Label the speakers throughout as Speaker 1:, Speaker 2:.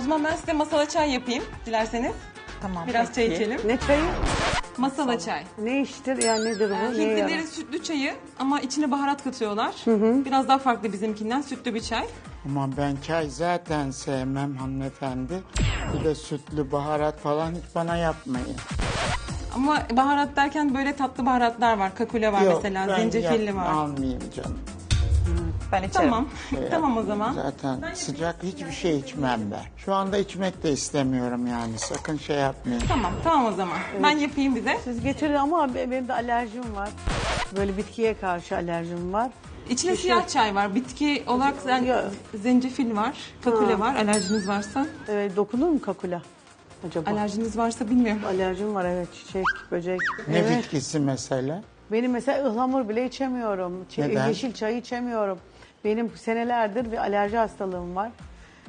Speaker 1: zaman ben size masala çay yapayım dilerseniz.
Speaker 2: Tamam.
Speaker 1: Biraz çay
Speaker 2: peki.
Speaker 1: içelim.
Speaker 3: Ne çayı?
Speaker 1: Masala çay.
Speaker 3: Ne iştir yani nedir bu? Neye yarar?
Speaker 1: Hintlilerin sütlü çayı ama içine baharat katıyorlar. Biraz daha farklı bizimkinden, sütlü bir çay.
Speaker 4: Ama ben çay zaten sevmem hanımefendi. Bir de sütlü baharat falan hiç bana yapmayın.
Speaker 1: Ama baharat derken böyle tatlı baharatlar var. Kakule var mesela,
Speaker 4: ben
Speaker 1: zencefilli var.
Speaker 4: almayayım canım.
Speaker 2: Ben içerim.
Speaker 1: Tamam. Tamam o zaman.
Speaker 4: Zaten sıcak hiçbir şey içmem ben. Şu anda içmek de istemiyorum yani. Sakın şey yapmayın.
Speaker 1: Tamam o zaman. Ben yapayım bize.
Speaker 3: Siz getirin ama benim de alerjim var. Böyle bitkiye karşı alerjim var.
Speaker 1: İçine siyah çay var. Bitki olarak
Speaker 3: Ya.
Speaker 1: zencefil var. Kakule var. Alerjiniz varsa.
Speaker 3: Dokunur mu kakula acaba?
Speaker 1: Alerjiniz varsa bilmiyorum.
Speaker 3: Alerjim var evet, çiçek, böcek.
Speaker 4: Ne
Speaker 3: Evet.
Speaker 4: bitkisi mesela?
Speaker 3: Benim mesela ıhlamur bile içemiyorum.
Speaker 4: Neden?
Speaker 3: Yeşil çay içemiyorum. Benim senelerdir bir alerji hastalığım var.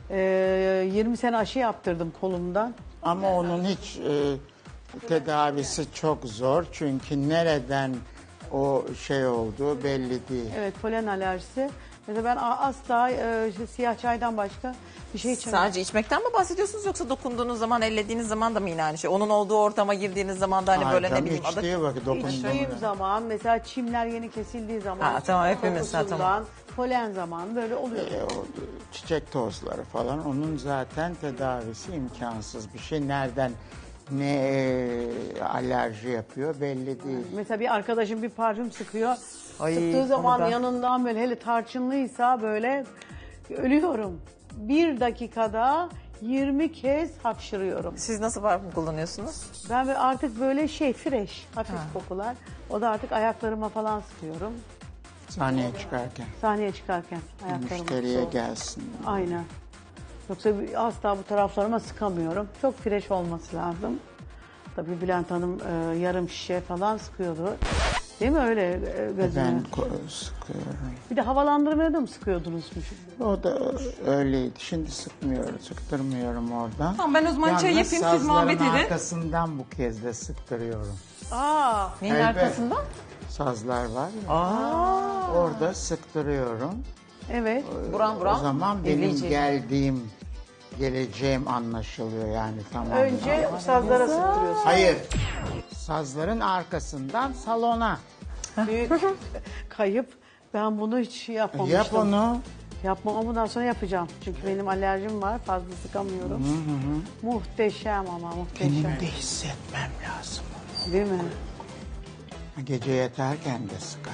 Speaker 3: 20 sene aşı yaptırdım kolumdan.
Speaker 4: Ama onun hiç tedavisi çok zor. Çünkü nereden o şey olduğu belli değil.
Speaker 3: Evet, polen alerjisi. Mesela ben asla siyah çaydan başka bir şey içemiyorum.
Speaker 2: Sadece içmekten mi bahsediyorsunuz yoksa dokunduğunuz zaman, ellediğiniz zaman da mı yine aynı şey? Onun olduğu ortama girdiğiniz zaman da hani böyle ne bileyim adı...
Speaker 4: İçtiği vakit
Speaker 3: İçtiğim
Speaker 4: dokunduğum
Speaker 3: zaman mesela çimler yeni kesildiği zaman.
Speaker 2: Ha, tamam, hepimiz,
Speaker 3: kokusundan,
Speaker 2: tamam.
Speaker 3: Polen zamanı böyle oluyor.
Speaker 4: o çiçek tozları falan onun zaten tedavisi imkansız bir şey. Nereden ne alerji yapıyor belli değil.
Speaker 3: Mesela bir arkadaşım bir parfüm sıkıyor.
Speaker 2: Ay,
Speaker 3: Sıktığı zaman
Speaker 2: onu da-
Speaker 3: yanından böyle hele tarçınlıysa böyle ölüyorum. Bir dakikada 20 kez hapşırıyorum.
Speaker 2: Siz nasıl parfüm kullanıyorsunuz?
Speaker 3: Ben artık böyle fresh, hafif kokular. O da artık ayaklarıma falan sıkıyorum.
Speaker 4: Sahneye çıkarken
Speaker 3: Sahneye çıkarken ayaklarıma.
Speaker 4: müşteriye gelsin.
Speaker 3: Aynen. Yoksa asla bu taraflarıma sıkamıyorum. Çok fresh olması lazım. Tabii Bülent Hanım yarım şişe falan sıkıyordu. Değil mi öyle gözüme?
Speaker 4: Ben sıkıyorum.
Speaker 3: Bir de havalandırmaya da mı sıkıyordunuz?
Speaker 4: O da öyleydi. Şimdi sıktırmıyorum oradan.
Speaker 1: Tamam, ben o zaman çay
Speaker 4: Yalnız
Speaker 1: yapayım, siz muhabbet
Speaker 4: sazların
Speaker 1: edin.
Speaker 4: arkasından bu kez de sıktırıyorum.
Speaker 3: Aa,
Speaker 2: Neyin
Speaker 4: Evet.
Speaker 2: arkasında?
Speaker 4: Sazlar var ya. Orada sıktırıyorum.
Speaker 3: evet.
Speaker 2: Buram
Speaker 4: O
Speaker 2: buram.
Speaker 4: zaman benim
Speaker 2: elleyecek.
Speaker 4: geleceğim anlaşılıyor yani tamam.
Speaker 3: Önce sazlara sıktırıyorsun.
Speaker 4: Hayır. Sazların arkasından salona.
Speaker 3: Büyük kayıp. Ben bunu hiç yapmamıştım.
Speaker 4: Yap onu.
Speaker 3: Yapmam ama bundan sonra yapacağım. Çünkü benim alerjim var. Fazla sıkamıyorum. Muhteşem ama muhteşem.
Speaker 4: Benim de hissetmem lazım.
Speaker 3: Değil mi?
Speaker 4: Gece yatarken de sıkar.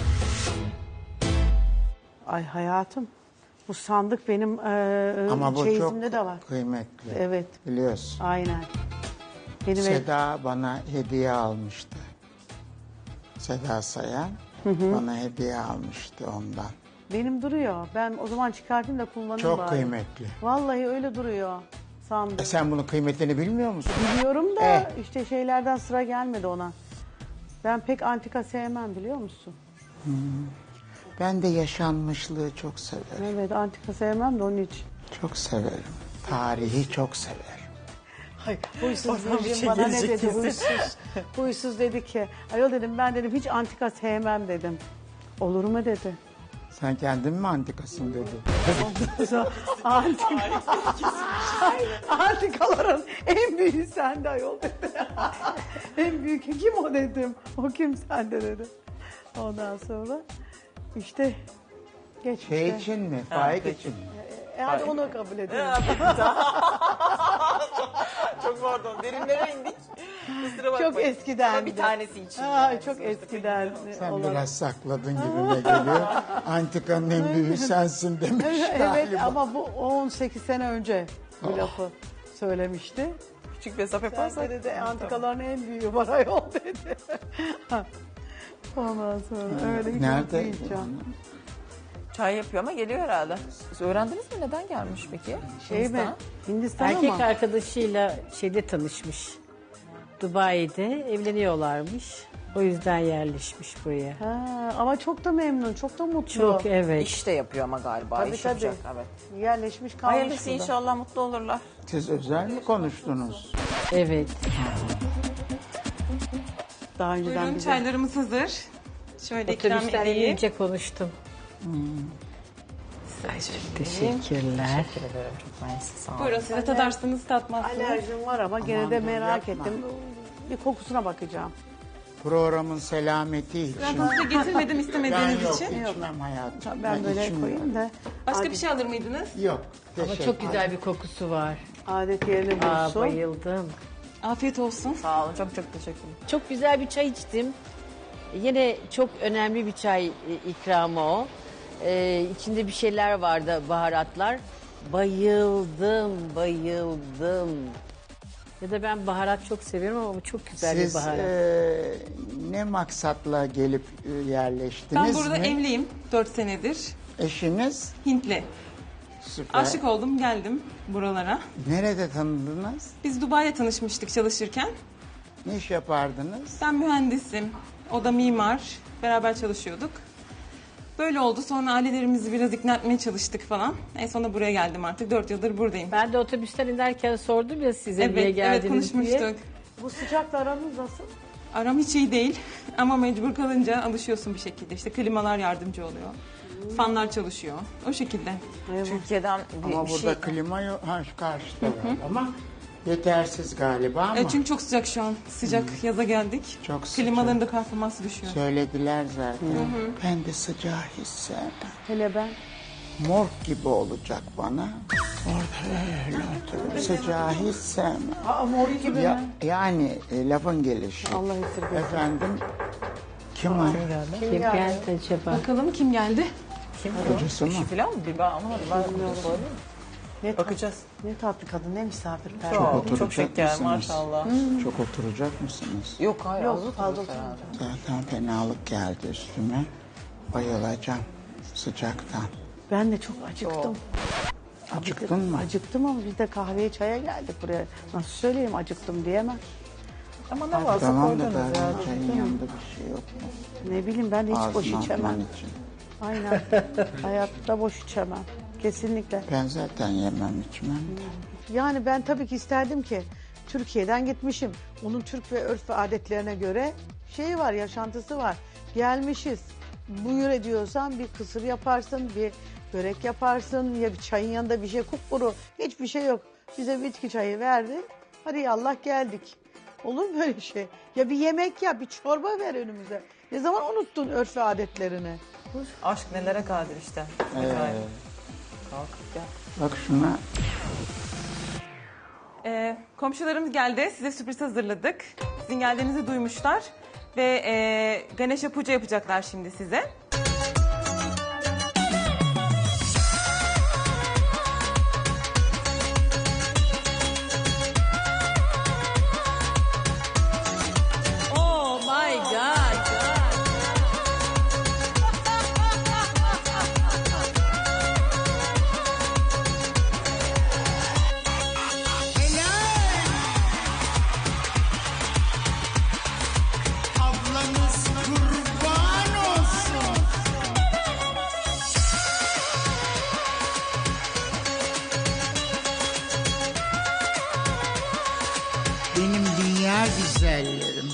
Speaker 3: Ay hayatım. Bu sandık benim
Speaker 4: Ama bu çok
Speaker 3: çeyizimde de var.
Speaker 4: kıymetli.
Speaker 3: Evet.
Speaker 4: Biliyorsun.
Speaker 3: Aynen. Benim
Speaker 4: Seda bana hediye almıştı. Seda Sayan bana hediye almıştı ondan.
Speaker 3: benim duruyor. Ben o zaman çıkartayım da kullanayım
Speaker 4: Çok
Speaker 3: bari.
Speaker 4: kıymetli.
Speaker 3: Vallahi öyle duruyor sandık.
Speaker 4: Sen bunun kıymetini bilmiyor musun?
Speaker 3: Biliyorum da işte şeylerden sıra gelmedi ona. Ben pek antika sevmem biliyor musun?
Speaker 4: Ben de yaşanmışlığı çok severim.
Speaker 3: Evet, antika sevmem de onun için.
Speaker 4: Çok severim. Tarihi çok severim.
Speaker 3: Hayır, huysuz
Speaker 2: Oradan bir
Speaker 3: Virgin
Speaker 2: şey
Speaker 3: bana ne
Speaker 2: gelecek
Speaker 3: dedi
Speaker 2: kesin.
Speaker 3: huysuz. Huysuz dedi ki, ayol dedim ben dedim hiç antika sevmem dedim. Olur mu dedi.
Speaker 4: Sen kendin mi antikasın dedi.
Speaker 3: Antika. Antikaların en büyüğü sende ayol dedi. En büyük kim o dedim. O kim sende dedi. Ondan sonra işte geç
Speaker 4: Şey
Speaker 3: işte.
Speaker 4: için mi? Faik için mi?
Speaker 3: Hadi onu kabul edelim.
Speaker 2: Çok pardon, derinlere indik. Kusura bakmayın.
Speaker 3: Çok eskiden.
Speaker 2: Ama bir tanesi için.
Speaker 3: Aa, çok eskiden.
Speaker 4: Sen
Speaker 3: olan.
Speaker 4: biraz sakladın gibime geliyor. Antikanın en büyüğü sensin demiş
Speaker 3: Evet
Speaker 4: galiba.
Speaker 3: ama bu 18 sene önce bu lafı söylemişti.
Speaker 2: Küçük mesafe
Speaker 3: Sen
Speaker 2: yaparsak.
Speaker 3: dedi antikaların en büyüğü var ayol dedi. Ondan sonra öyle hiç
Speaker 4: Nerede?
Speaker 3: unutmayacağım.
Speaker 2: Çay yapıyor ama geliyor herhalde. Siz öğrendiniz mi neden gelmiş peki?
Speaker 3: Şey mi?
Speaker 2: Hindistan.
Speaker 3: Hindistan
Speaker 5: Erkek
Speaker 3: ama.
Speaker 5: arkadaşıyla şeyde tanışmış. Dubai'de evleniyorlarmış. O yüzden yerleşmiş buraya.
Speaker 3: Ha, ama çok da memnun, çok da mutlu.
Speaker 5: Çok evet.
Speaker 2: İş de yapıyor ama galiba.
Speaker 3: Tabii,
Speaker 2: İş
Speaker 3: tabii.
Speaker 2: yapacak, evet.
Speaker 3: Yerleşmiş kalmış
Speaker 2: Hayırlısı
Speaker 3: burada.
Speaker 2: inşallah mutlu olurlar.
Speaker 4: Siz özel mi konuştunuz?
Speaker 5: Evet.
Speaker 3: Daha önceden
Speaker 1: Buyurun,
Speaker 3: bize.
Speaker 1: çaylarımız hazır. Şöyle ikram
Speaker 5: Otobüsten
Speaker 1: edeyim.
Speaker 5: inince konuştum. Teşekkürler.
Speaker 2: Teşekkür ederim. Çok mersi. Sağ olun.
Speaker 1: Buyurun siz de tadarsınız tatmazsınız.
Speaker 3: Alerjim var ama gene de
Speaker 4: Aman dur,
Speaker 3: merak
Speaker 4: yapma.
Speaker 3: ettim. Bir kokusuna bakacağım.
Speaker 4: Programın selameti için.
Speaker 1: Ben size getirmedim
Speaker 4: Ben
Speaker 1: istemediğiniz
Speaker 4: yok
Speaker 1: için.
Speaker 4: içmem hayatım.
Speaker 3: Ben böyle
Speaker 4: içmiyorum.
Speaker 3: koyayım da
Speaker 1: Başka bir şey alır mıydınız?
Speaker 4: Yok.
Speaker 5: Ama
Speaker 4: teşekkür
Speaker 5: çok güzel bir kokusu var.
Speaker 3: adet yerini
Speaker 5: Aa,
Speaker 3: bulsun.
Speaker 5: bayıldım.
Speaker 1: Afiyet olsun.
Speaker 2: Sağ olun. Çok çok teşekkürler.
Speaker 5: Çok güzel bir çay içtim. Yine çok önemli bir çay ikramı o. İçinde bir şeyler vardı, baharatlar. Bayıldım, bayıldım. Ya da ben baharat çok seviyorum ama bu çok güzel
Speaker 4: Siz
Speaker 5: bir baharat.
Speaker 4: ne maksatla gelip yerleştiniz
Speaker 1: Ben burada
Speaker 4: mi?
Speaker 1: evliyim 4 senedir.
Speaker 4: Eşiniz?
Speaker 1: Hintli.
Speaker 4: Süper.
Speaker 1: Aşık oldum geldim buralara.
Speaker 4: Nerede tanıdınız?
Speaker 1: Biz Dubai'de tanışmıştık çalışırken.
Speaker 4: Ne iş yapardınız?
Speaker 1: Ben mühendisim. O da mimar. Beraber çalışıyorduk. Böyle oldu. Sonra ailelerimizi biraz ikna etmeye çalıştık falan. En sonunda buraya geldim artık. 4 yıldır buradayım.
Speaker 5: Ben de otobüsten inerken sordum ya size niye
Speaker 1: Evet, evet
Speaker 5: geldiniz diye.
Speaker 1: konuşmuştuk.
Speaker 3: Bu sıcakla aranız nasıl?
Speaker 1: Aram hiç iyi değil ama mecbur kalınca alışıyorsun bir şekilde. İşte klimalar yardımcı oluyor. Fanlar çalışıyor. O şekilde.
Speaker 2: Türkiye'den bir
Speaker 4: Ama burada
Speaker 2: şey...
Speaker 4: klima yok. Ha, şu karşıda var ama yetersiz galiba ama
Speaker 1: Çünkü çok sıcak şu an. Sıcak yaza geldik.
Speaker 4: Çok sıcak.
Speaker 1: Klimaların da performansı düşüyor.
Speaker 4: söylediler zaten. Ben de sıcağı hiç sevmem.
Speaker 3: Hele ben.
Speaker 4: Morg gibi olacak bana. Orada öyle oturup sıcağı hiç sevmem.
Speaker 3: Aa, mor gibi
Speaker 4: Ya,
Speaker 3: mi?
Speaker 4: yani lafın gelişi.
Speaker 3: Allah esirgesin.
Speaker 4: Efendim kim arıyor?
Speaker 5: Kim geldi acaba?
Speaker 1: Bakalım kim geldi?
Speaker 4: Kocası mı?
Speaker 2: Eşi falan mı? Bir ben anlamadım. Ben sorayım.
Speaker 3: Ne
Speaker 2: Bakacağız.
Speaker 3: Ne tatlı kadın, ne misafirperver.
Speaker 2: Çok,
Speaker 4: oturacak
Speaker 2: çok şeker
Speaker 4: mısınız?
Speaker 2: maşallah.
Speaker 4: Çok oturacak mısınız?
Speaker 2: Yok hayır.
Speaker 3: Yok,
Speaker 2: az
Speaker 3: fazla
Speaker 2: otururuz herhalde.
Speaker 4: Zaten fenalık geldi üstüme. Bayılacağım sıcaktan.
Speaker 3: Ben de çok acıktım.
Speaker 4: Acıktın mı?
Speaker 3: Acıktım ama biz de kahveye çaya geldik buraya. Nasıl söyleyeyim acıktım diyemem.
Speaker 2: Ama ne varsa
Speaker 4: Tamam da
Speaker 2: koydunuz ya.
Speaker 4: çayın yanında bir şey yok mu?
Speaker 3: Ne bileyim ben de hiç boş
Speaker 4: Ağzına
Speaker 3: içemem.
Speaker 4: atman için.
Speaker 3: Aynen. Hayatta boş içemem. Kesinlikle.
Speaker 4: Ben zaten yemem içmem de.
Speaker 3: Yani ben tabii ki isterdim ki Türkiye'den gitmişim. Onun Türk ve örf ve adetlerine göre şeyi var, yaşantısı var. Gelmişiz. Buyur ediyorsan bir kısır yaparsın, bir börek yaparsın ya bir çayın yanında bir şey kupkuru. Hiçbir şey yok. Bize bitki çayı verdi. Hadi yallah geldik. Olur mu böyle şey? Ya bir yemek yap, bir çorba ver önümüze. Ne zaman unuttun örf ve adetlerini?
Speaker 2: Aşk nelere kadir işte. Efendim. Kalkıp gel.
Speaker 4: Bak şuna
Speaker 1: Komşularımız geldi. Size sürpriz hazırladık. Sizin geldiğinizi duymuşlar. Ve Ganesha Puja yapacaklar şimdi size.
Speaker 5: Oh my God.
Speaker 4: ablanız kurban olsun. Benim dünya güzellerim.